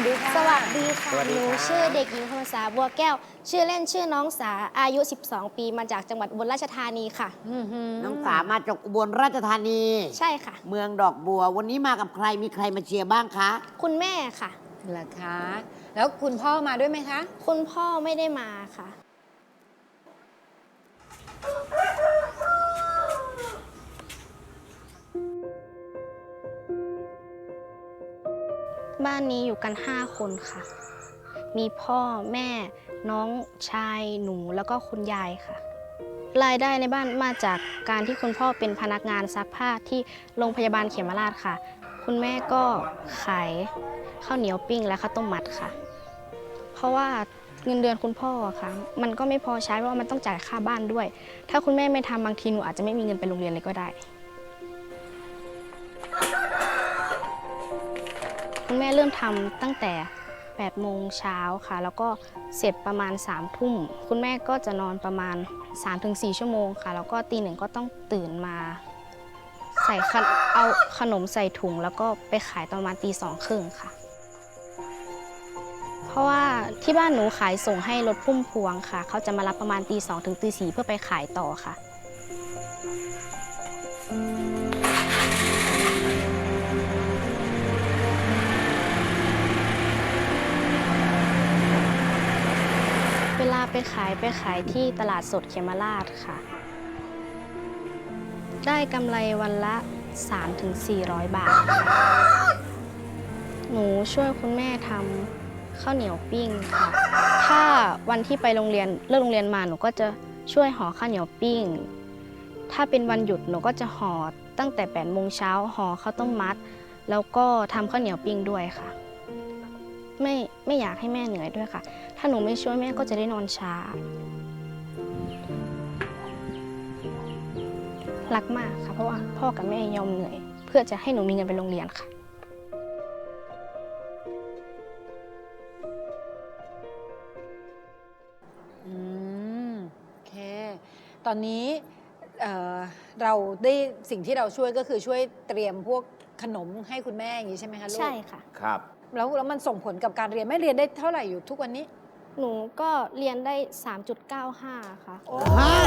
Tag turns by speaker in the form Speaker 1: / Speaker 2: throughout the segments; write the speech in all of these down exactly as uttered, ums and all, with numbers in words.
Speaker 1: ดีค่ะ
Speaker 2: สวัสดีค่ะ
Speaker 3: สวัส
Speaker 2: ห
Speaker 3: ดี
Speaker 2: นู
Speaker 3: ครับ
Speaker 2: ชื่อเด็กหญิงพรรษาบัวแก้ว ชื่อเล่นชื่อน้องสา อายุ สิบสอง ปี มาจากจังหวัดอุบลราชธานีค่ะ
Speaker 3: น้องสามาจากอุบลราชธานี
Speaker 2: ใช่ค่ะ
Speaker 3: เมืองดอกบัว วันนี้มากับใคร มีใครมาเชียร์บ้างคะ
Speaker 2: คุณแม่ค่ะ
Speaker 1: เหรอคะ แล้วคุณพ่อมาด้วยไหมคะ
Speaker 2: คุณพ่อไม่ได้มาค่ะ บ้านนี้อยู่กัน ห้า คนค่ะ มีพ่อแม่ น้องชาย หนู แล้วก็คุณยายค่ะ รายได้ในบ้านมาจากการที่คุณพ่อเป็นพนักงานซักผ้าที่โรงพยาบาลเขมราชค่ะ คุณแม่ก็ขายข้าวเหนียวปิ้งและข้าวต้มมัดค่ะ เพราะว่าเงินเดือนคุณพ่อค่ะ มันก็ไม่พอใช้เพราะว่ามันต้องจ่ายค่าบ้านด้วย ถ้าคุณแม่ไม่ทำบางทีหนูอาจจะไม่มีเงินไปโรงเรียนเลยก็ได้ คุณแม่เริ่มทำตั้งแต่แปดโมงเช้าค่ะ แล้วก็เสร็จประมาณสามทุ่ม คุณแม่ก็จะนอนประมาณ สามถึงสี่ ชั่วโมงค่ะ แล้วก็ตีหนึ่งก็ต้องตื่นมา ใส่ขนเอาขนมใส่ถุงแล้วก็ไปขายตอนประมาณตีสองครึ่งค่ะ เพราะว่าที่บ้านหนูขายส่งให้รถพุ่มพวงค่ะ เขาจะมารับประมาณตีสองถึงตีสี่เพื่อไปขายต่อค่ะ เวลาไปขายไปขายที่ตลาดสดเขมราชค่ะ ได้กำไรวันละ สามถึงสี่ร้อย บาทค่ะหนูช่วยคุณแม่ทำข้าวเหนียวปิ้งค่ะ ถ้าวันที่ไปโรงเรียนเลิกโรงเรียนมาหนูก็จะช่วยห่อข้าวเหนียวปิ้ง ถ้าเป็นวันหยุดหนูก็จะห่อตั้งแต่แปดโมงเช้าห่อข้าวต้มมัด แล้วก็ทำข้าวเหนียวปิ้งด้วยค่ะ ไม่ไม่อยากให้แม่เหนื่อยด้วยค่ะ ถ้าหนูไม่ช่วยแม่ก็จะได้นอนช้า รักมากค่ะ เพราะว่าพ่อกับแม่ยอมเหนื่อย เพื่อจะให้หนูมีเงินไปโรงเรียนค่ะ
Speaker 1: อืมโอเค ตอนนี้เอ่อเราได้สิ่งที่เราช่วยก็คือช่วยเตรียมพวกขนมให้คุณแม่อย่างนี้ใช่ไหมคะลูก
Speaker 2: ใช่ค่ะ
Speaker 3: ครับ
Speaker 1: แล้วแล้วมันส่งผลกับการเรียนแม่เรียนได้เท่าไหร่อยู่ทุกวันนี้
Speaker 2: หนูก็เรียนได้ สามจุดเก้าห้า ค่ะ
Speaker 3: ฮะ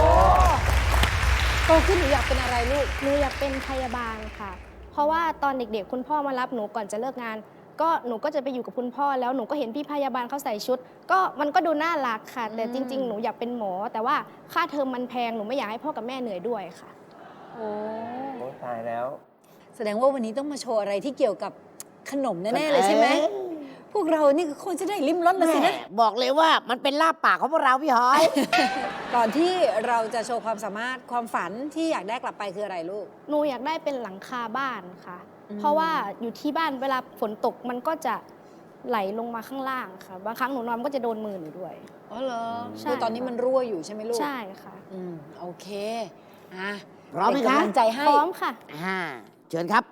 Speaker 1: โตขึ้นหนูอยากเป็นอะไรลูก
Speaker 2: หนูอยากเป็นพยาบาลค่ะ เพราะว่าตอนเด็กๆ คุณพ่อมารับหนูก่อนจะเลิกงาน ก็หนูก็จะไปอยู่กับคุณพ่อแล้วหนูก็เห็นพี่พยาบาลเขาใส่ชุด ก็มันก็ดูน่ารักค่ะ แต่
Speaker 1: อืม
Speaker 2: จริง ๆ หนูอยากเป็นหมอ แต่ว่าค่าเทอมมันแพง หนูไม่อยากให้พ่อกับแม่เหนื่อยด้วยค่ะ
Speaker 1: โอ้
Speaker 3: โอ้ตายแล้ว
Speaker 1: แสดงว่าวันนี้ต้องมาโชว์อะไรที่เกี่ยวกับขนมแน่ๆเลยใช่ไหม
Speaker 3: เอ๊ะ
Speaker 1: พวกเรานี่คือคนจะได้ลิ้มรสละสินะ
Speaker 3: แม่บอกเลยว่ามันเป็นลาบปากของพวกเราพี่หอย
Speaker 1: ก่อนที่เราจะโชว์ความสามารถความฝันที่อยากได้กลับไปคืออะไรลูก
Speaker 2: หนูอยากได้เป็นหลังคาบ้านค่ะ
Speaker 1: อืม
Speaker 2: เพราะว่าอยู่ที่บ้านเวลาฝนตกมันก็จะไหลลงมาข้างล่างค่ะ บางครั้งหนูนอนมันก็จะโดนมือหนูด้วย
Speaker 1: อ๋อเหรอ
Speaker 2: ใช่
Speaker 1: คือตอนนี้มันรั่วอยู่ใช่ไหมลูก
Speaker 2: ใช่ค่ะ
Speaker 1: อืมโอเคอ่ะ
Speaker 3: พร้อมไหม
Speaker 1: เป็น
Speaker 3: คะ
Speaker 1: กำลังใจให้
Speaker 2: พร้อมค่ะ
Speaker 3: อ่าเชิญครับ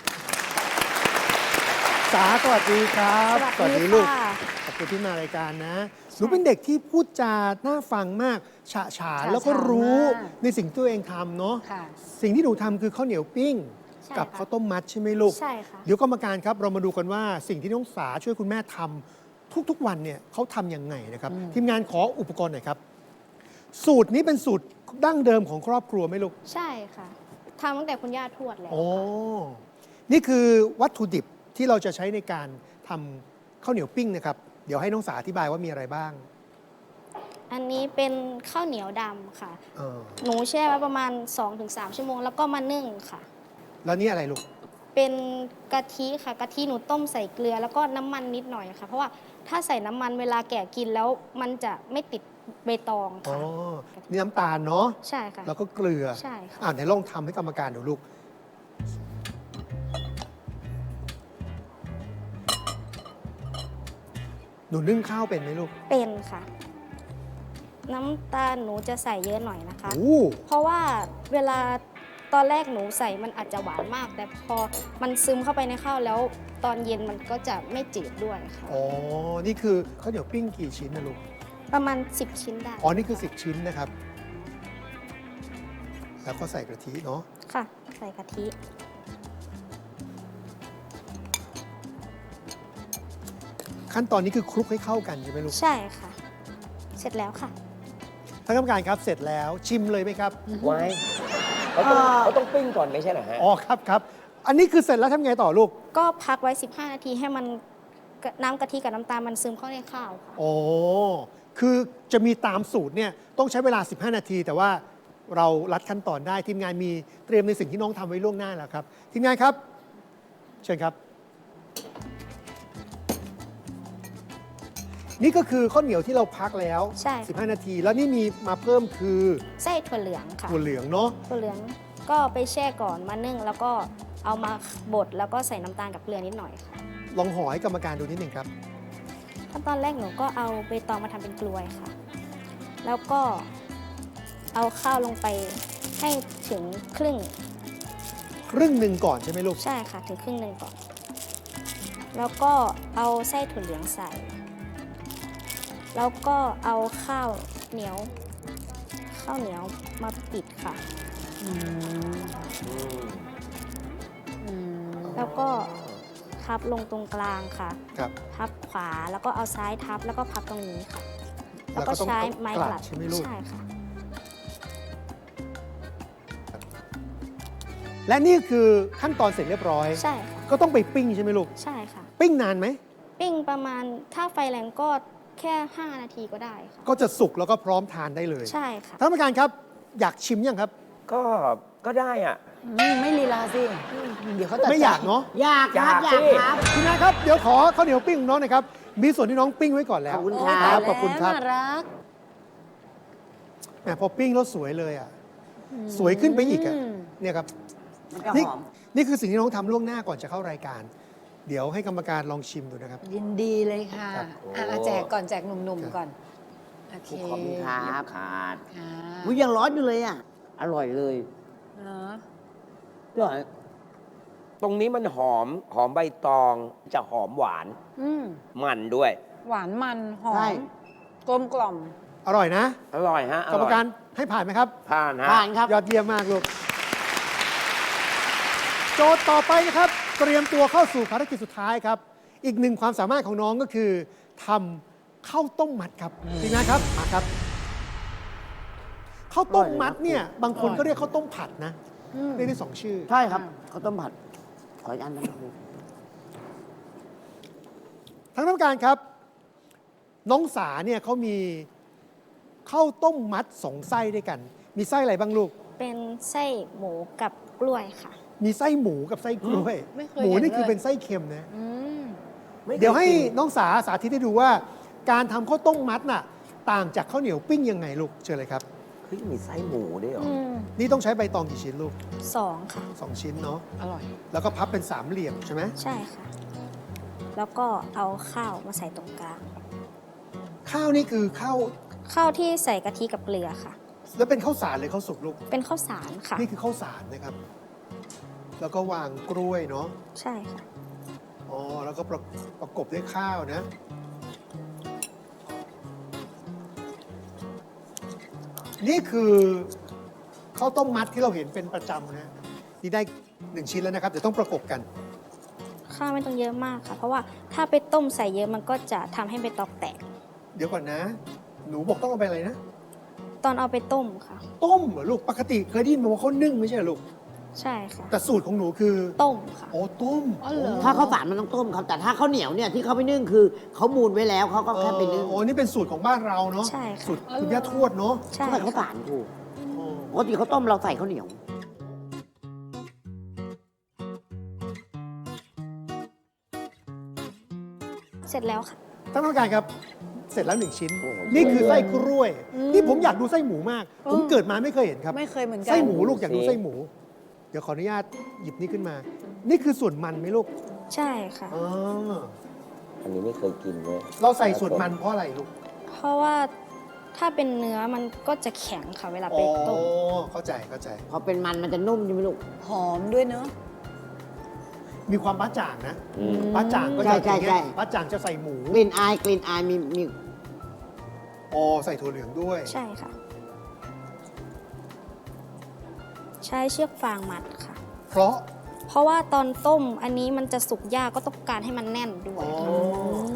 Speaker 4: สาสวัสดีครับ
Speaker 2: สวัสดี
Speaker 4: ลูก
Speaker 2: ค่ะ
Speaker 4: ขอบคุณที่มารายการนะหนูเป็นเด็กที่พูดจาน่าฟังมากฉะฉาน
Speaker 1: ฉะ
Speaker 4: แล้วก็รู้
Speaker 1: ฉานมาก
Speaker 4: ในสิ่งที่ตัวเองทำเนาะ
Speaker 1: ค่ะ
Speaker 4: สิ่งที่หนูทำคือข้าวเหนียวปิ้ง
Speaker 2: ใช่
Speaker 4: กับ
Speaker 2: ค่ะ
Speaker 4: ข้าวต้มมัดใช่ไหมลูก
Speaker 2: ใช่ค่ะ
Speaker 4: เดี๋ยวกรรมการครับเรามาดูกันว่าสิ่งที่น้องสาช่วยคุณแม่ทำทุกๆวันเนี่ยเขาทำยังไงนะครับ
Speaker 1: อืม
Speaker 4: ทีมงานขออุปกรณ์หน่อยครับ สูตรนี้เป็นสูตรดั้งเดิมของครอบครัวไหมลูก
Speaker 2: ใช่ค่ะทำตั้งแต่คุณย่าทวดแล้ว
Speaker 4: โอ้
Speaker 2: ค่ะ
Speaker 4: นี่คือวัตถุดิบที่เราจะใช้ในการทำข้าวเหนียวปิ้งนะครับ เดี๋ยวให้น้องสาอธิบายว่ามีอะไรบ้าง
Speaker 2: อันนี้เป็นข้าวเหนียวดำค่ะ
Speaker 4: เออ
Speaker 2: หนูแช่ไว้ประมาณ สองถึงสาม ชั่วโมงแล้วก็มานึ่งค่ะ
Speaker 4: แล้วนี่อะไรลูก
Speaker 2: เป็นกะทิค่ะ กะทิหนูต้มใส่เกลือแล้วก็น้ำมันนิดหน่อยค่ะ เพราะว่าถ้าใส่น้ำมันเวลาแกะกินแล้วมันจะไม่ติดใบตอง
Speaker 4: อ๋อ
Speaker 2: ค่ะ
Speaker 4: นี่น้ำตาลเนาะ
Speaker 2: ใช่ค่ะ
Speaker 4: แล้วก็เกลือ
Speaker 2: ใช่ค่ะ
Speaker 4: อ่าไหนลองทำให้กรรมการดูลูก หนูนึ่งข้าวเป็นไหมลูก
Speaker 2: เป็นค่ะ น้ำตาลหนูจะใส่เยอะหน่อยนะคะ
Speaker 4: โอ้
Speaker 2: เพราะว่าเวลาตอนแรกหนูใส่มันอาจจะหวานมาก แต่พอมันซึมเข้าไปในข้าวแล้ว ตอนเย็นมันก็จะไม่จืดด้วยค่ะ
Speaker 4: อ๋อ นี่คือข้าวเหนียวปิ้งกี่ชิ้นนะลูก
Speaker 2: ประมาณ สิบ ชิ้นได้
Speaker 4: อ๋อ นี่คือสิบชิ้นนะครับ แล้วก็ใส่กะทิเนาะ
Speaker 2: ค่ะ ใส่กะทิ
Speaker 4: ขั้นตอนนี้คือคลุกให้เข้ากันใช่ไหมลูก
Speaker 2: ใช่ค่ะ เสร็จแล้วค่ะ
Speaker 4: ท่านกรรมการครับเสร็จแล้วชิมเลยไหมครับ
Speaker 5: ไว้เขาต้องเขาต้องปิ้งก่อนไม่ใช่เหรอฮะ
Speaker 4: อ๋อครับครับ อันนี้คือเสร็จแล้วทำไงต่อลูก
Speaker 2: ก็พักไว้ สิบห้า นาทีให้มันกะน้ำกะทิกับน้ำตาลมันซึมเข้าในข้าวค่ะ
Speaker 4: โอ้คือจะมีตามสูตรเนี่ยต้องใช้เวลา สิบห้า นาที แต่ว่าเรารัดขั้นตอนได้ทีมงานมีเตรียมในสิ่งที่น้องทำไว้ล่วงหน้าแล้วครับทีมงานครับ เชิญครับ นี่ก็คือข้าวเหนียวที่เราพักแล้ว
Speaker 2: ใช่ค่ะ
Speaker 4: สิบห้า นาที แล้วนี่มีมาเพิ่มคือ
Speaker 2: ไส้ถั่วเหลืองค่ะ
Speaker 4: ถั่วเหลืองเนาะ
Speaker 2: ถั่วเหลืองก็ไปแช่ก่อนมานึ่งแล้วก็เอามาบดแล้วก็ใส่น้ำตาลกับเกลือนิดหน่อยค่ะ
Speaker 4: ลองห่อให้กรรมการดูนิดหนึ่งครับ
Speaker 2: ขั้นตอนแรกหนูก็เอาใบตองมาทำเป็นกลวยค่ะ แล้วก็เอาข้าวลงไปให้ถึงครึ่ง
Speaker 4: ครึ่งหนึ่งก่อนใช่ไหมลูก
Speaker 2: ใช่ค่ะ ถึงครึ่งหนึ่งก่อน แล้วก็เอาไส้ถั่วเหลืองใส่ แล้วก็เอาข้าวเหนียว ข้าวเหนียวมาปิดค่ะ
Speaker 1: อืมอืม
Speaker 2: แล้วก็พับลงตรงกลางค่ะ
Speaker 4: ครับ
Speaker 2: พับขวาแล้วก็เอาซ้ายทับแล้วก็พับตรงนี้ค่ะ
Speaker 4: แล้
Speaker 2: แล้ว ว
Speaker 4: ก็
Speaker 2: ก็
Speaker 4: ต้อง
Speaker 2: ใช้ไม้
Speaker 4: ก
Speaker 2: ก
Speaker 4: ลั
Speaker 2: ลั
Speaker 4: ด
Speaker 2: ด
Speaker 4: ใช่ไหมลูก
Speaker 2: ใช่ค่ะ
Speaker 4: และนี่คือขั้นตอนเสร็จเรียบร้อย
Speaker 2: ใช่ค่ะ
Speaker 4: ก็ต้องไปปิ้งใช่ไหมลูก
Speaker 2: ใช่ค่ะ
Speaker 4: ปิ้งนานไหม
Speaker 2: ปิ้งประมาณถ้าไฟแรงก็แค่ ห้า นาทีก็ได้ค่ะ
Speaker 4: ก็จะสุกแล้วก็พร้อมทานได้เลย
Speaker 2: ใช่ค่ะ
Speaker 4: ท่านกรรมการครับ อยากชิมยังครับ
Speaker 5: ก็ก็ได้อ่ะ
Speaker 1: อืมไม่ลีลาสิ เดี๋ยวเขาตัด
Speaker 4: ไม่อยากเนาะ
Speaker 3: อยากครับอยาก ก
Speaker 5: อายสิ
Speaker 3: ครับ
Speaker 4: ทีมงานครับ เดี๋ยวขอข้าวเหนียวปิ้งของน้องหน่อยครับ มีส่วนที่น้องปิ้งไว้ก่อนแล้ว
Speaker 3: ขอบคุณ
Speaker 1: โอ้
Speaker 3: ค
Speaker 1: ย
Speaker 3: รั
Speaker 1: ตาย
Speaker 3: บ
Speaker 1: แล้ว
Speaker 4: ขอบคุณครับ
Speaker 1: น่ารัก
Speaker 4: แหมพอปิ้งแล้วสวยเลยอ่ะ สวยขึ้นไปอีกอ่ะ
Speaker 1: ม
Speaker 4: เนี่ยครับ
Speaker 3: มันจะ
Speaker 4: นี่
Speaker 3: หอม
Speaker 4: นี่คือสิ่งที่น้องทำล่วงหน้าก่อนจะเข้ารายการ เดี๋ยวให้กรรมการลองชิมดูนะครับ
Speaker 1: ยินดีเลยค่ะ
Speaker 4: ครับ
Speaker 1: อ่ะแจกก่อนแจกหนุ่มๆก่อน โอเค
Speaker 3: ขอบคุณครับ
Speaker 5: ขาด
Speaker 1: ค่ะ
Speaker 3: อุ๊ยยังร้อนอยู่เลยอ่ะ อร่อยเลย
Speaker 1: เนาะ
Speaker 3: อร่อย
Speaker 5: ตรงนี้มันหอมหอมใบตองจะหอมหวาน
Speaker 1: อืม
Speaker 5: มันด้วย
Speaker 1: หวานมันหอ
Speaker 3: ใช่
Speaker 1: มกลมกล่อม
Speaker 4: อร่อยนะ
Speaker 5: อร่อยฮะอก
Speaker 4: รรม
Speaker 5: ร่อย
Speaker 4: การให้ผ่านไหมครับ
Speaker 5: ผ่านฮะ
Speaker 3: ผ่านครับ
Speaker 4: ยอดเยี่ยมมากลูก โจทย์ต่อไปนะครับ เตรียมตัวเข้าสู่ภารกิจสุดท้ายครับ อีกหนึ่งความสามารถของน้องก็คือทำข้าวต้มมัดครับทีมงานครับมาครับข้าวต้มมัดเนี่ยบางคนก็เรียกข้าวต้มผัดนะ
Speaker 1: อืม
Speaker 4: เรียกได้สองชื่อ
Speaker 3: ใช่ครับข้าวต้มผัด ขออีกอันนั้นครับ
Speaker 4: ทั้งน้ำการครับ น้องสาเนี่ยเขามีข้าวต้มมัดสองไส้ด้วยกัน มีไส้อะไรบ้างลูก
Speaker 2: เป็นไส้หมูกับกล้วยค่ะ
Speaker 4: มีไส้หมูกับไส้กล้วย
Speaker 1: ไม่เคย
Speaker 4: หมู
Speaker 1: เห็น
Speaker 4: นี่คือ
Speaker 1: เลย
Speaker 4: เป็นไส้เค็มนะ
Speaker 1: อืม
Speaker 5: ไม่ค
Speaker 4: เดี๋ยวให้
Speaker 5: กิน
Speaker 4: น้องสาสาธิตให้ดูว่า การทำข้าวต้มมัดน่ะต่างจากข้าวเหนียวปิ้งยังไงลูกเชิญเลยครับ
Speaker 5: เฮ้ยมีไส้หมูด้วยเหรอ
Speaker 1: อืม
Speaker 4: นี่ต้องใช้ใบตองกี่ชิ้นลูก
Speaker 2: สองค่ะ
Speaker 4: สองชิ้นเนาะ
Speaker 1: อร่อย
Speaker 4: แล้วก็พับเป็นสามเหลี่ยมใช่ไหม
Speaker 2: ใช่ค่ะ แล้วก็เอาข้าวมาใส่ตรงกลาง
Speaker 4: ข้าวนี่คือข้าว
Speaker 2: ข้าวที่ใส่กะทิกับเกลือค่ะ
Speaker 4: แล้วเป็นข้าวสารหรือข้าวสุกลูก
Speaker 2: เป็นข้าวสารค่ะ
Speaker 4: นี่คือข้าวสารนะครับ แล้วก็วางกล้วยเนาะ
Speaker 2: ใช่ค่ะ
Speaker 4: อ๋อแล้วก็ประประกบด้วยข้าวนะ นี่คือข้าวต้มมัดที่เราเห็นเป็นประจำนะนี่ได้หนึ่งชิ้นแล้วนะครับเดี๋ยวต้องประกบกัน
Speaker 2: ข้าวไม่ต้องเยอะมากค่ะ เพราะว่าถ้าไปต้มใส่เยอะมันก็จะทำให้ใบตองแตก
Speaker 4: เดี๋ยวก่อนนะ หนูบอกต้องเอาไปอะไรนะ
Speaker 2: ตอนเอาไปต้มค่ะ
Speaker 4: ต้มเหรอลูกปกติเคยได้ยินมาว่าเขานึ่งไม่ใช่เหรอลูก
Speaker 2: ใช่ค่ะ
Speaker 4: แต่สูตรของหนูคือ
Speaker 2: ต้มค่ะ
Speaker 4: โอ้ต้ม
Speaker 1: อ๋อเหรอ
Speaker 3: ถ้าข้าวสารมันต้องต้มครับ แต่ถ้าข้าวเหนียวเนี่ยที่เขาไปนึ่งคือเขามูลไว้แล้วเขาก็แค่ไปนึ่ง
Speaker 4: โอ้นี่เป็นสูตรของบ้านเราเนาะ
Speaker 2: ใช่ค่ะ
Speaker 4: สูตรคุณย่าทวดเนาะ
Speaker 2: ใช่
Speaker 3: เขาใส่ข้าว
Speaker 2: ค่ะ
Speaker 3: สารถูก
Speaker 4: โอ้
Speaker 3: ปกติเขาวต้มเราใส่ข้าวเหนียว
Speaker 2: เสร็จแล้วค่ะ
Speaker 4: ท่านผู้การครับ เสร็จแล้วหนึ่งชิ้น
Speaker 5: โอ้โห
Speaker 4: นี่คือไส้กล้วย
Speaker 1: อืม
Speaker 4: นี่ผมอยากดูไส้หมูมาก ผม
Speaker 1: อืม
Speaker 4: เกิดมาไม่เคยเห็นครับ
Speaker 1: ไม่เคยเหมือนกัน
Speaker 4: ไส้หมูลูกอยากดูไส้หมู เดี๋ยวขออนุญาตหยิบนี่ขึ้นมา นี่คือส่วนมันไหมลูก
Speaker 2: ใช่ค่ะ
Speaker 4: อ๋อ
Speaker 5: อันนี้ไม่เคยกินเลย
Speaker 4: เราใส่ส่วนมันเพราะอะไรลูก
Speaker 2: เพราะว่าถ้าเป็นเนื้อมันก็จะแข็งค่ะเวลา
Speaker 4: อ๋
Speaker 2: ไป
Speaker 4: อ
Speaker 2: ต้ม
Speaker 4: เข้าใจเข้าใจ
Speaker 3: พอเป็นมันมันจะนุ่มใช่ไหมลูก
Speaker 1: หอมด้วยเนอะ
Speaker 4: มีความบ้าจ่างนะ
Speaker 5: อืม
Speaker 4: บ้าจ่างก็
Speaker 3: ใช่
Speaker 4: จะอย่าง
Speaker 3: ใช่
Speaker 4: เงี้
Speaker 3: ใช่
Speaker 4: ยบ้าจ่างจะใส่หมู
Speaker 3: กลิ่นอายกลิ่นอายมีมี
Speaker 4: อ๋อใส่ถั่วเหลืองด้วย
Speaker 2: ใช่ค่ะ ใช้เชือกฟางมัดค่ะ
Speaker 4: เพราะ
Speaker 2: เพราะว่าตอนต้มอันนี้มันจะสุกยากก็ต้องการให้มันแน่นด้ว
Speaker 4: อ๋
Speaker 2: ย
Speaker 4: อ
Speaker 1: อืม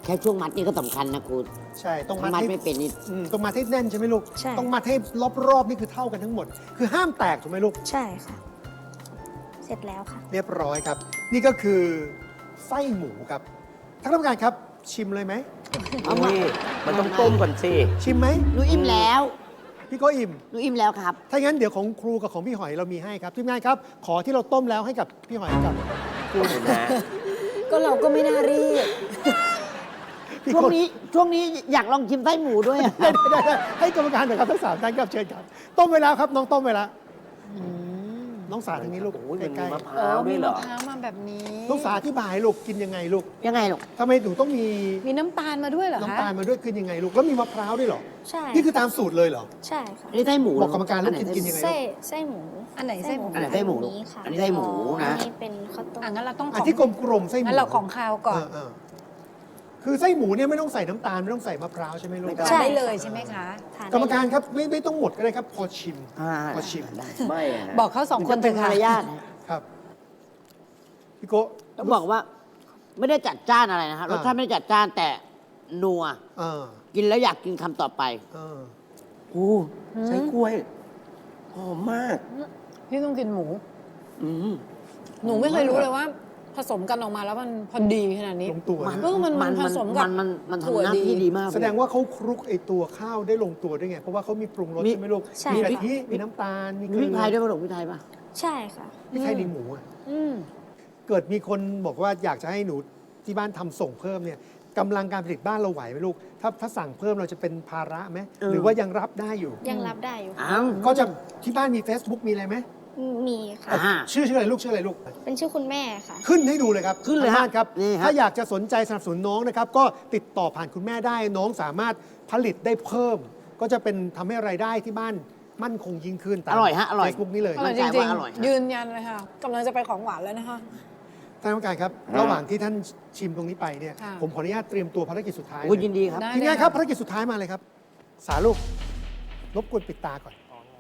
Speaker 3: แค่ช่วงมัดนี่ก็สำคัญนะคุณ
Speaker 4: ใช่ต้องมัด
Speaker 3: มัด
Speaker 4: ให้
Speaker 3: ไม่เป็นนี่
Speaker 4: อืมต้องมัดให้แน่นใช่ไหมลูก
Speaker 2: ใช่
Speaker 4: ต้องมัดให้รอบๆนี่คือเท่ากันทั้งหมด คือห้ามแตกถูกไหมลูก
Speaker 2: ใช่ค่ะ เสร็จแล้วค่ะ
Speaker 4: เรียบร้อยครับ นี่ก็คือไส้หมูครับท่านกรรมการครับชิมเลยไหม
Speaker 3: เอามา
Speaker 5: นี่มันต้องต้มก่อนสิ
Speaker 4: ชิมไหม
Speaker 3: หนูอิ่มแล้ว
Speaker 4: พี่ก็อิ่ม
Speaker 3: หนูอิ่มแล้วครับ
Speaker 4: ถ้างั้นเดี๋ยวของครูกับของพี่หอยเรามีให้ครับทีมงานครับ ขอที่เราต้มแล้วให้กับพี่หอยกับครู
Speaker 5: นะ
Speaker 1: ก็เราก็ไม่น่ารีบ
Speaker 4: พี่
Speaker 3: ช่วง
Speaker 4: โก้
Speaker 3: นี้ช่วงนี้อยากลองชิมไส้หมูด้วยอะ
Speaker 4: ได้ได้ได้ให้กรรมการหน่อยครับทั้งสามท่านครับเชิญครับ ต้มไว้แล้วครับ น้องต้มไว้แล้วน้องสาทางนี้ลูก
Speaker 5: โอ้ยมัน
Speaker 4: ใก
Speaker 5: มี
Speaker 4: ล้
Speaker 5: มะพ
Speaker 1: เอ
Speaker 5: ร้า
Speaker 1: อ
Speaker 5: วด้
Speaker 1: มี
Speaker 5: วยเหร
Speaker 1: มะ
Speaker 5: อ
Speaker 1: พร้าวมาแบบนี้
Speaker 4: ๆน้องสาอธิบายลูกกินยังไงลูก
Speaker 3: ยังไงลูก
Speaker 4: ทำไมหนูต้องมี
Speaker 1: มีน้ำตาลมาด้วยเหรอคะ
Speaker 4: น้ำตาลมาด้วยกินยังไงลูกแล้วมีมะพร้าวด้วยเหรอ
Speaker 2: ใช่
Speaker 4: นี่คือตามสูตรเลยเหรอ
Speaker 2: ใช่ค่ะ
Speaker 3: อันนี้ไส้หมู
Speaker 4: บอกกรรมการแล้วกินกินยังไง
Speaker 2: ไส้ไส้หมู
Speaker 1: อันไหนไส้หมู
Speaker 3: อันไหนไส้หมู
Speaker 2: อันนี้ค่ะ
Speaker 3: อันนี้ไส้หมู
Speaker 2: อัน
Speaker 3: นะ
Speaker 2: นี้เป็นข้าวต้ม
Speaker 1: อ่ะงั้นเราต้องข
Speaker 4: อัน
Speaker 1: อง
Speaker 4: ที่กลมๆไส้หมู
Speaker 1: งั้นเราของคาวก่อน
Speaker 4: เออๆคือไส้หมูเนี่ยไม่ต้องใส่น้ำตาลไม่ต้องใส่มะพร้าวใช่ไหมลูก
Speaker 3: ไม่ต้อง
Speaker 1: ทานได้เลยใช่ไหมคะ
Speaker 2: ทาน
Speaker 4: กรรม
Speaker 2: ได้
Speaker 4: การครับไม่ไม่ต้องหมดก็ได้ครับ พอชิม
Speaker 3: อ่า
Speaker 4: พอชิม
Speaker 3: ได้
Speaker 5: ไม่อะ
Speaker 1: บอกเขาสองคน
Speaker 3: เป็
Speaker 1: เถ
Speaker 3: น
Speaker 1: อะ
Speaker 3: มา
Speaker 1: ค่ะ
Speaker 3: รยาทนะ
Speaker 4: ครับพี่โกะ
Speaker 3: ต้องบอกว่า ไม่ได้จัดจ้านอะไรนะครับรสชาติไม่ได้จัดจ้านแต่นัว
Speaker 4: เออ
Speaker 3: กินแล้วอยากกินคำต่อไป
Speaker 4: เออ
Speaker 5: โอ้ใช้กล้วย หอมมาก
Speaker 1: พี่ต้องกินหมู
Speaker 5: อืม
Speaker 1: หนูไม่เคยรู้เลยว่า ผสมกันออกมาแล้วมันพอดีขนาดนี้
Speaker 4: ลงตัว
Speaker 3: มัน
Speaker 4: นะ
Speaker 1: เออมันมันผสมกับ
Speaker 3: มันมันมัน
Speaker 1: ถั่ว
Speaker 3: ทำหน้า
Speaker 1: ดี
Speaker 3: ที่ดีมาก
Speaker 4: แสดงว่าเขาคลุกไอตัวข้าวได้ลงตัวด้วยไง เพราะว่าเขามีปรุงรส
Speaker 3: มี
Speaker 4: ใช่ไหมลูก
Speaker 2: ใช่
Speaker 4: มี
Speaker 2: ค่ะ
Speaker 4: กะทิมีน้ำตาล มี
Speaker 3: มี
Speaker 4: เก
Speaker 3: พ
Speaker 4: ลื
Speaker 3: ริก
Speaker 4: อ
Speaker 3: ไทยด้วยป่ะลูกพริกไทยป่ะ
Speaker 2: ใช่ค่ะ
Speaker 4: พริกไทยในหมูอะ
Speaker 1: อืม
Speaker 4: เกิดมีคนบอกว่าอยากจะให้หนูที่บ้านทำส่งเพิ่มเนี่ยกำลังการผลิตบ้านเราไหวไหมลูก ถ้าถ้าสั่งเพิ่มเราจะเป็นภาระไหม
Speaker 3: เออ
Speaker 4: หรือว่ายังรับได้อยู่
Speaker 2: ยังรับได้อยู่ค่ะ
Speaker 3: อ้าว
Speaker 4: ก็จะที่บ้านมี Facebook มีอะไรไหม
Speaker 2: มีค่ะ
Speaker 3: อ่า
Speaker 4: ชื่อชื่ออะไรลูกชื่ออะไรลูก
Speaker 2: เป็นชื่อคุณแม่ค่ะ
Speaker 4: ขึ้นให้ดูเลยครับ
Speaker 3: ขึ้นเลย
Speaker 4: ทาง
Speaker 3: ฮะ
Speaker 4: บ้านครับ
Speaker 3: นี่ครับ
Speaker 4: ถ้าอยากจะสนใจสนับสนุนน้องนะครับ ก็ติดต่อผ่านคุณแม่ได้ น้องสามารถผลิตได้เพิ่ม ก็จะเป็นทำให้รายได้ที่บ้านมั่นคงยิ่งขึ้นตาม
Speaker 3: อร่อยฮะอร่อย
Speaker 4: เฟซบุ๊กนี้เลย
Speaker 1: อร่อย
Speaker 3: มั่
Speaker 1: จ
Speaker 3: นใจ
Speaker 1: ริง
Speaker 3: ว่าอร่อยนะ
Speaker 1: ๆ ยืนยันเลยค่ะกำลังจะไปของหวานแล้วนะคะ
Speaker 4: ท่านผู้การครับ ระหว่างที่ท่านชิมตรงนี้ไปเนี่ย
Speaker 1: ค่ะ
Speaker 4: ผมขออนุญาตเตรียมตัวภารกิจสุดท้าย
Speaker 3: โอ้ย
Speaker 4: เลย
Speaker 3: ยินดีครับ
Speaker 1: ได้
Speaker 4: ทีนี้ครับภารกิจสุดท้ายมาเลยครับ สาลูกรบกวนปิดตาก่อน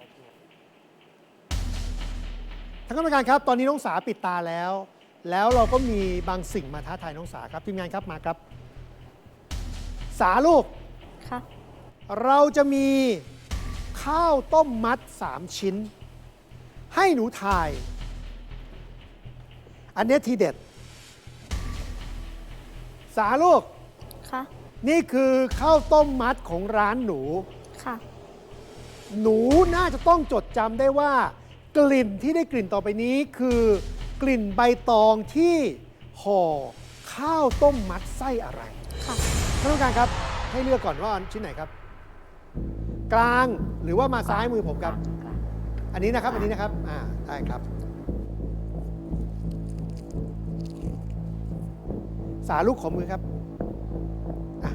Speaker 4: ท่านกรรมการครับ ตอนนี้น้องสาปิดตาแล้ว แล้วเราก็มีบางสิ่งมาท้าทายน้องสาครับทีมงานครับมาครับ สาลูก
Speaker 2: ค่ะ
Speaker 4: เราจะมีข้าวต้มมัดสามชิ้น ให้หนูทาย อันเนี้ยทีเด็ด สาลูก
Speaker 2: ค่ะ
Speaker 4: นี่คือข้าวต้มมัดของร้านหนู
Speaker 2: ค่ะ
Speaker 4: หนูน่าจะต้องจดจำได้ว่า กลิ่นที่ได้กลิ่นต่อไปนี้คือกลิ่นใบตองที่ห่อข้าวต้มมัดไส้อะไร
Speaker 2: ค่ะ
Speaker 4: ท่านผู้การครับ ให้เลือกก่อนว่าชิ้นไหนครับ กลางหรือว่ามาซ้ายมือผมครับ อันนี้นะครับ อันนี้นะครับ อ่า ได้ครับ สาลูกขอมือครับอ่ะ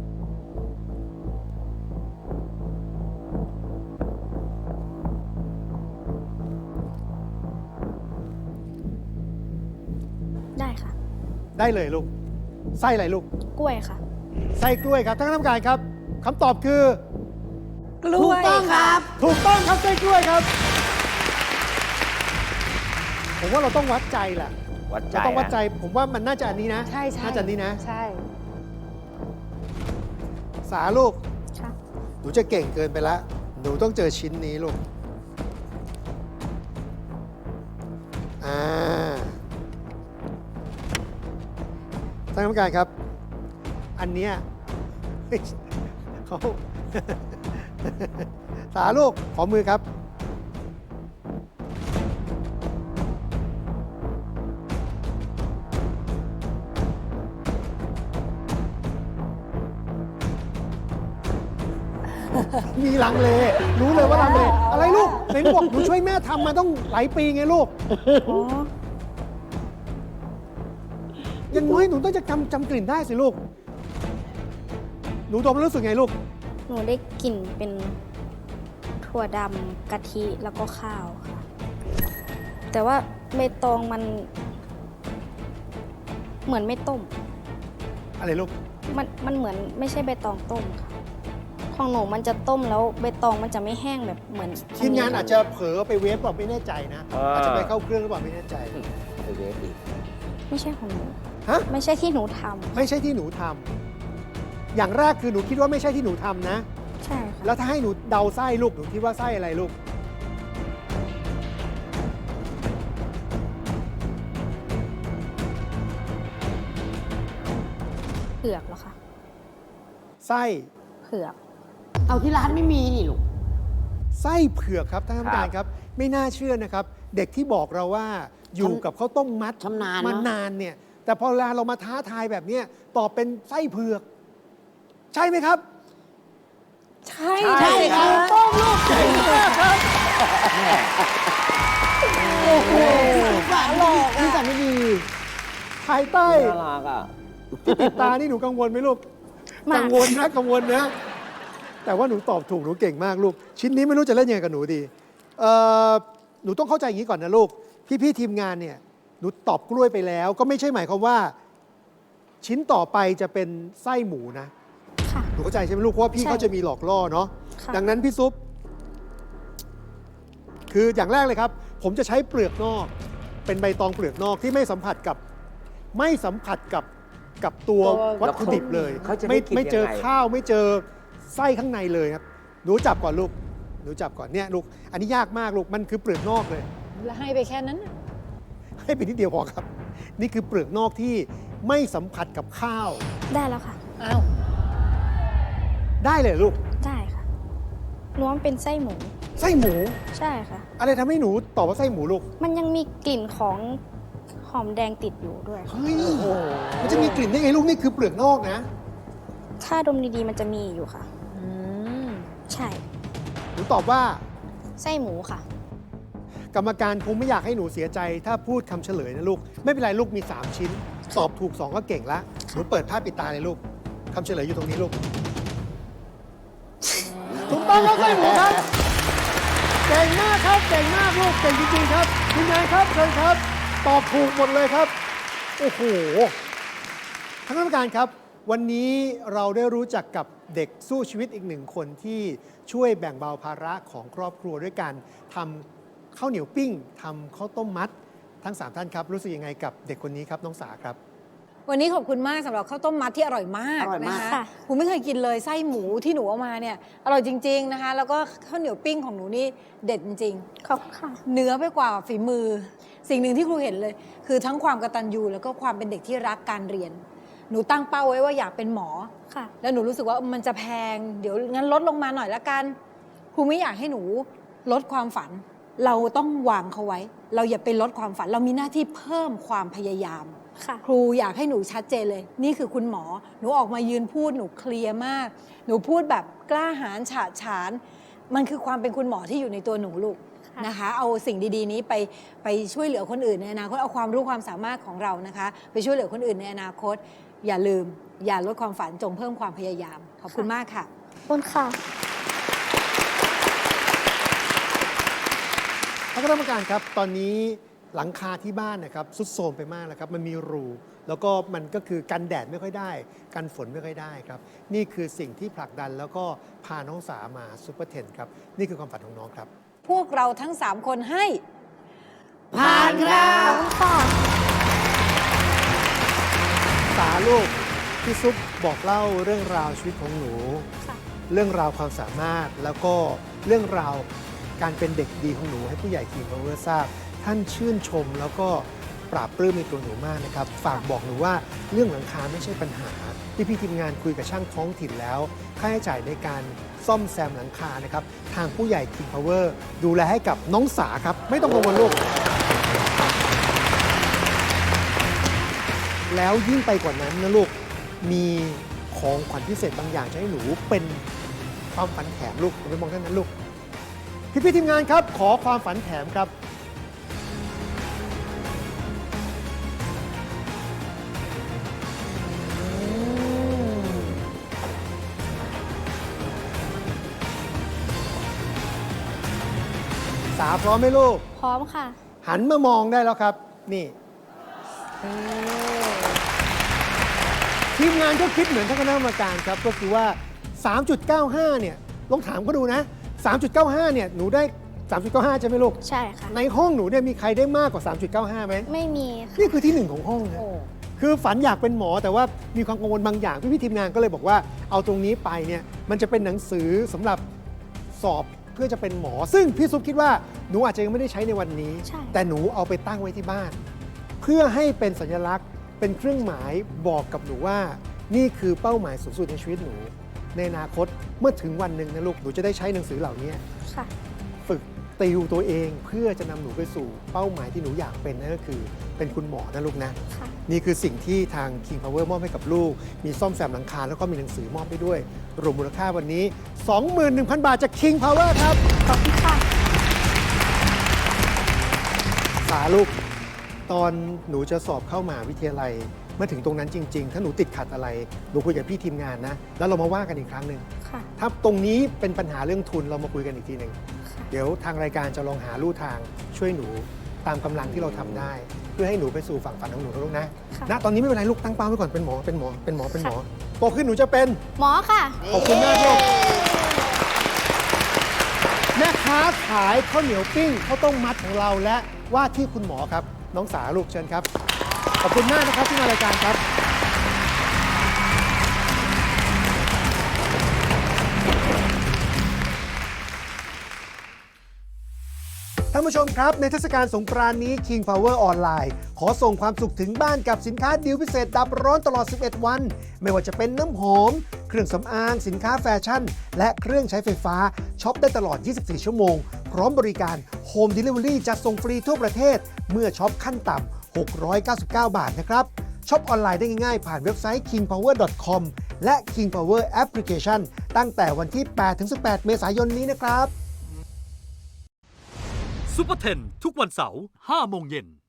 Speaker 2: ได้ค่ะ
Speaker 4: ได้เลยลูก ไส้อะไรลูก
Speaker 2: กล้วยค่ะ
Speaker 4: ไส้กล้วยครับท่านคณะกรรมการครับคำตอบคือ
Speaker 1: กล้วย
Speaker 3: ถูกต้องครับ
Speaker 4: ถูกต้องครับไส้กล้วยครับ ผมว่าเราต้องวัดใจแหละ
Speaker 5: วัดใจ
Speaker 4: เราต้องวัดใจ
Speaker 5: นะ
Speaker 4: ผมว่ามันน่าจะอันนี้นะ
Speaker 1: ใช่ใช่
Speaker 4: น่าจะอันนี้นะ
Speaker 1: ใช่
Speaker 4: สาลูก
Speaker 2: ค่ะ
Speaker 4: หนูจะเก่งเกินไปแล้ว หนูต้องเจอชิ้นนี้ลูก อ่าท่านกรรมการครับ อันเนี้ย เขา สาลูก ขอมือครับ มีลังเล รู้เลยว่าลังเล อะไรลูกไหนบอกหนูช่วยแม่ทำมาต้องหลายปีไงลูก
Speaker 2: อ๋อ
Speaker 4: อยังน้อยหนูต้องจะจำจำกลิ่นได้สิลูก หนูดมแล้วรู้สึกไงลูก
Speaker 2: หนูได้กลิ่นเป็นถั่วดำกะทิแล้วก็ข้าวค่ะ แต่ว่าใบตองมัน เหมือนไม่ต้ม
Speaker 4: อะไรลูก
Speaker 2: มันมันเหมือนไม่ใช่ใบตองต้มค่ะ ของหนูมันจะต้มแล้วใบตองมันจะไม่แห้งแบบเหมือน
Speaker 4: ทีมงานอาจจะเผลอไปเวฟหรือเปล่าไม่แน่ใจนะ
Speaker 5: อ่า
Speaker 4: อาจจะไปเข้าเครื่องหรือเปล่าไม่แน่ใจ
Speaker 5: ไปเวฟอีก
Speaker 2: ไม่ใช่ของหนู
Speaker 4: ฮะ
Speaker 2: ไม่ใช่ที่หนูทำ
Speaker 4: ไม่ใช่ที่หนูทอย่างแรกคือหนูคิดว่าไม่ใช่ที่หนูทำนะ
Speaker 2: ใช่ค่ะ
Speaker 4: แล้วถ้าให้หนูเดาไส้ลูก หนูคิดว่าไส้อะไรลูก
Speaker 2: เผือกเหรอคะ
Speaker 4: ไส้
Speaker 2: เผือก
Speaker 3: เอาที่ร้านไม่มีนี่ลูก
Speaker 4: ไส้เผือกครับท่านผู้การครับ ไม่น่าเชื่อนะครับ เด็กที่บอกเราว่าอยู่กับข้าวต้มมัด
Speaker 3: ชำนาญ
Speaker 4: มา
Speaker 3: เนอะ
Speaker 4: นานเนี่ย แต่พอเวลาเรามาท้าทายแบบเนี้ยตอบเป็นไส้เผือก ใช่ไหมครับ
Speaker 1: ใช่
Speaker 5: ใช่ครับ
Speaker 4: ต้องลูกเก่งมากครับ โอ้โห
Speaker 3: สารหลอกนี่สารไม่ดี
Speaker 4: ภายใต้
Speaker 5: น่ารักอ่ะ
Speaker 4: ที่ติดตานี่หนูกังวลไหมลูก
Speaker 2: มาก
Speaker 4: กังวลนะกังวลนะ แต่ว่าหนูตอบถูกหนูเก่งมากลูก ชิ้นนี้ไม่รู้จะเล่นยังไงกับหนูดีเอ่อหนูต้องเข้าใจอย่างนี้ก่อนนะลูก พี่ๆทีมงานเนี่ยหนูตอบกล้วยไปแล้ว ก็ไม่ใช่หมายความว่า ชิ้นต่อไปจะเป็นไส้หมูนะ
Speaker 2: ค่ะ
Speaker 4: หนูเข้าใจใช่ไหมลูกเพราะว่าพี่
Speaker 2: ใช่
Speaker 4: เขาจะมีหลอกล่อเนาะ
Speaker 2: ค่ะ
Speaker 4: ดังนั้นพี่ซุป คืออย่างแรกเลยครับ ผมจะใช้เปลือกนอก เป็นใบตองเปลือกนอกที่ไม่สัมผัสกับ ไม่สัมผัสกับกับตัว
Speaker 1: ตัว
Speaker 4: วัตถุดิบเลย
Speaker 5: เขาจะได้
Speaker 4: ไม่
Speaker 5: กิน
Speaker 4: ไม่เจอ
Speaker 5: ยังไง
Speaker 4: ข้าวไม่เจอไส้ข้างในเลยครับ หนูจับก่อนลูก หนูจับก่อนเนี่ยลูก อันนี้ยากมากลูก มันคือเปลือกนอกเลย
Speaker 1: แล้วให้ไปแค่นั้นน่ะ
Speaker 4: ให้เป็นนิดเดียวพอครับ นี่คือเปลือกนอกที่ไม่สัมผัสกับข้าว
Speaker 2: ได้แล้วค่ะ
Speaker 1: อ้าว
Speaker 4: ได้เลยลูก
Speaker 2: ได้ค่ะรวมเป็นไส้หมู
Speaker 4: ไส้หมู
Speaker 2: ใช่ค่ะ
Speaker 4: อะไรทำให้หนูตอบว่าไส้หมูลูก
Speaker 2: มันยังมีกลิ่นของหอมแดงติดอยู่ด้วย
Speaker 4: เฮ้ยมันจะมีกลิ่นได้ไงลูก นี่คือเปลือกนอกนะ
Speaker 2: ถ้าดมดีๆ มันจะมีอยู่ค่ะ
Speaker 1: อืม
Speaker 2: ใช่
Speaker 4: หนูตอบว่า
Speaker 2: ไส้หมูค่ะ
Speaker 4: กรรมการคงไม่อยากให้หนูเสียใจ ถ้าพูดคำเฉลยนะลูก ไม่เป็นไรลูกมี สาม ชิ้น ตอบถูก สอง ก็เก่งละหนูเปิดผ้าปิดตาเลยลูกคำเฉลยอยู่ตรงนี้ลูก ถูกต้องครับไส้หมูครับ เก่งมากครับ เก่งมากลูก เก่งจริงๆครับทีมงานครับเชิญครับ ตอบถูกหมดเลยครับ โอ้โหท่านกรรมการครับ วันนี้เราได้รู้จักกับเด็กสู้ชีวิตอีกหนึ่งคนที่ช่วยแบ่งเบาภาระของครอบครัวด้วยการทำข้าวเหนียวปิ้งทำข้าวต้มมัด ทั้งสามท่านครับรู้สึกยังไงกับเด็กคนนี้ครับน้องสาครับ
Speaker 1: วันนี้ขอบคุณมากสำหรับข้าวต้มมัดที่อร่อยมาก
Speaker 3: อร่อยมาก
Speaker 1: นะคะ
Speaker 2: ค่ะ
Speaker 1: ผมไม่เคยกินเลยไส้หมูที่หนูเอามาเนี่ยอร่อยจริง ๆนะคะ แล้วก็ข้าวเหนียวปิ้งของหนูนี่เด็ดจริง
Speaker 2: ขอบคุณค่ะ
Speaker 1: ๆเนื้อไปกว่าฝีมือ สิ่งหนึ่งที่ครูเห็นเลย คือทั้งความกตัญญูแล้วก็ความเป็นเด็กที่รักการเรียน หนูตั้งเป้าไว้ว่าอยากเป็นหมอ
Speaker 2: ค่ะ
Speaker 1: แล้วหนูรู้สึกว่ามันจะแพง เดี๋ยวงั้นลดลงมาหน่อยละกัน ครูไม่อยากให้หนูลดความฝัน เราต้องวางเขาไว้ เราอย่าไปลดความฝัน เรามีหน้าที่เพิ่มความพยายาม
Speaker 2: ค่ะ
Speaker 1: ครูอยากให้หนูชัดเจนเลย นี่คือคุณหมอ หนูออกมายืนพูดหนูเคลียร์มาก หนูพูดแบบกล้าหาญฉะฉาน มันคือความเป็นคุณหมอที่อยู่ในตัวหนูลูก
Speaker 2: ค่ะ
Speaker 1: นะคะ เอาสิ่งดีๆนี้ไปไปช่วยเหลือคนอื่นในอนาคตเอาความรู้ความสามารถของเรานะคะ ไปช่วยเหลือคนอื่นในอนาคต อย่าลืม อย่าลดความฝันจงเพิ่มความพยายาม ขอบคุณมากค่ะ
Speaker 2: ขอบคุณค่ะ
Speaker 4: ท่านคณะกรรมการครับ ตอนนี้หลังคาที่บ้านนะครับสุดโทรมไปมากแล้วครับ มันมีรู แล้วก็มันก็คือกันแดดไม่ค่อยได้ กันฝนไม่ค่อยได้ครับ นี่คือสิ่งที่ผลักดันแล้วก็พาน้องสามาซูเปอร์เทนครับ นี่คือความฝันของน้องครับ
Speaker 1: พวกเราทั้งสามคนให้
Speaker 3: ผ่านครับ
Speaker 2: ขอบคุณค่ะ
Speaker 4: สาลูกพี่ซุปบอกเล่าเรื่องราวชีวิตของหนู
Speaker 2: ค่ะ
Speaker 4: เรื่องราวความสามารถแล้วก็เรื่องราวการเป็นเด็กดีของหนูให้ผู้ใหญ่ทีมพาวเวอร์ทราบ ท่านชื่นชมแล้วก็ปราบปลื้มในตัวหนูมากนะครับ ฝากบอกหนูว่าเรื่องหลังคาไม่ใช่ปัญหาที่พี่ทีมงานคุยกับช่างท้องถิ่นแล้ว ค่าใช้จ่ายในการซ่อมแซมหลังคานะครับทางผู้ใหญ่ทีมพาวเวอร์ดูแลให้กับน้องสาครับ ไม่ต้องกังวลลูก แล้วยิ่งไปกว่านั้นนะลูก มีของขวัญพิเศษบางอย่างจะให้หนูเป็นความฝันแถมลูกไปมองท่านนั้นลูก พี่พี่ๆทีมงานครับ ขอความฝันแถมครับ สาพร้อมไหมลูก
Speaker 2: พร้อมค่ะ
Speaker 4: หันมามองได้แล้วครับ นี่ ทีมงานก็คิดเหมือนท่านคณะกรรมการครับ ก็คือว่า สามจุดเก้าห้า เนี่ยลองถามก็ดูนะ สามจุดเก้าห้า เนี่ย หนูได้ สามจุดเก้าห้า ใช่ไหมลูก
Speaker 2: ใช่ค่ะ
Speaker 4: ในห้องหนูเนี่ยมีใครได้มากกว่า สามจุดเก้าห้า ไหม
Speaker 2: ไม่มีค่ะ
Speaker 4: นี่คือที่หนึ่งของห้องนะ
Speaker 1: โอ้
Speaker 4: คือฝันอยากเป็นหมอแต่ว่ามีความกังวลบางอย่างพี่ๆทีมงานก็เลยบอกว่าเอาตรงนี้ไปเนี่ยมันจะเป็นหนังสือสำหรับสอบเพื่อจะเป็นหมอ ซึ่งพี่ซุปคิดว่าหนูอาจจะยังไม่ได้ใช้ในวันนี้
Speaker 2: ใช่
Speaker 4: แต่หนูเอาไปตั้งไว้ที่บ้าน เพื่อให้เป็นสัญลักษณ์เป็นเครื่องหมายบอกกับหนูว่า นี่คือเป้าหมายสูงสุดในชีวิตหนู ในอนาคตเมื่อถึงวันหนึ่งนะลูกหนูจะได้ใช้หนังสือเหล่านี้
Speaker 2: ค่ะ
Speaker 4: ฝึกติวตัวเองเพื่อจะนำหนูไปสู่เป้าหมายที่หนูอยากเป็นนั่นก็คือเป็นคุณหมอนะลูกนะ
Speaker 2: ค่ะ
Speaker 4: นี่คือสิ่งที่ทาง King Power มอบให้กับลูก มีซ่อมแซมหลังคาแล้วก็มีหนังสือมอบให้ด้วย รวมมูลค่าวันนี้ สองหมื่นหนึ่งพัน บาทจาก King Power ครับ
Speaker 2: ขอบคุณค่ะ
Speaker 4: สาลูก ตอนหนูจะสอบเข้ามหาวิทยาลัยเมื่อถึงตรงนั้นจริง ๆ ถ้าหนูติดขัดอะไร หนูคุยกับพี่ทีมงานนะ แล้วเรามาว่ากันอีกครั้งหนึ่ง
Speaker 2: ค่ะ
Speaker 4: ถ้าตรงนี้เป็นปัญหาเรื่องทุนเรามาคุยกันอีกทีหนึ่ง
Speaker 2: ค่ะ
Speaker 4: เดี๋ยวทางรายการจะลองหาลู่ทางช่วยหนูตามกำลังที่เราทำได้ เพื่อให้หนูไปสู่ฝั่งฝันของหนูนะลูกนะ
Speaker 2: ค่ะ
Speaker 4: ณตอนนี้ไม่เป็นไรลูกตั้งเป้าไว้ก่อนเป็นหมอเป็นหมอเป็นหมอเป็นหมอโตขึ้นหนูจะเป็น
Speaker 2: หมอค่ะ
Speaker 4: ขอบคุณมากลูกแม่ค้าขายข้าวเหนียวปิ้งข้าวต้มมัดของเราและว่าที่คุณหมอครับ น้องสาลูกเชิญครับ ขอบคุณมากนะครับที่มารายการครับ ท่านผู้ชมครับ ในเทศกาลสงกรานต์นี้ King Power ออนไลน์ขอส่งความสุขถึงบ้านกับสินค้าดีลพิเศษดับร้อนตลอด สิบเอ็ด วัน ไม่ว่าจะเป็นน้ำหอม เครื่องสำอาง สินค้าแฟชั่น และเครื่องใช้ไฟฟ้าช็อปได้ตลอด ยี่สิบสี่ ชั่วโมง พร้อมบริการ Home Delivery จัดส่งฟรีทั่วประเทศ เมื่อช็อปขั้นต่ำ หกร้อยเก้าสิบเก้า บาทนะครับช็อปออนไลน์ได้ง่ายๆ ผ่านเว็บไซต์ คิงพาวเวอร์ ดอท คอม และ King Power Application ตั้งแต่วันที่ แปดถึงสิบแปด เมษายนนี้นะครับ
Speaker 6: ซุปเปอร์เทนทุกวันเสาร์ห้าโมงเย็น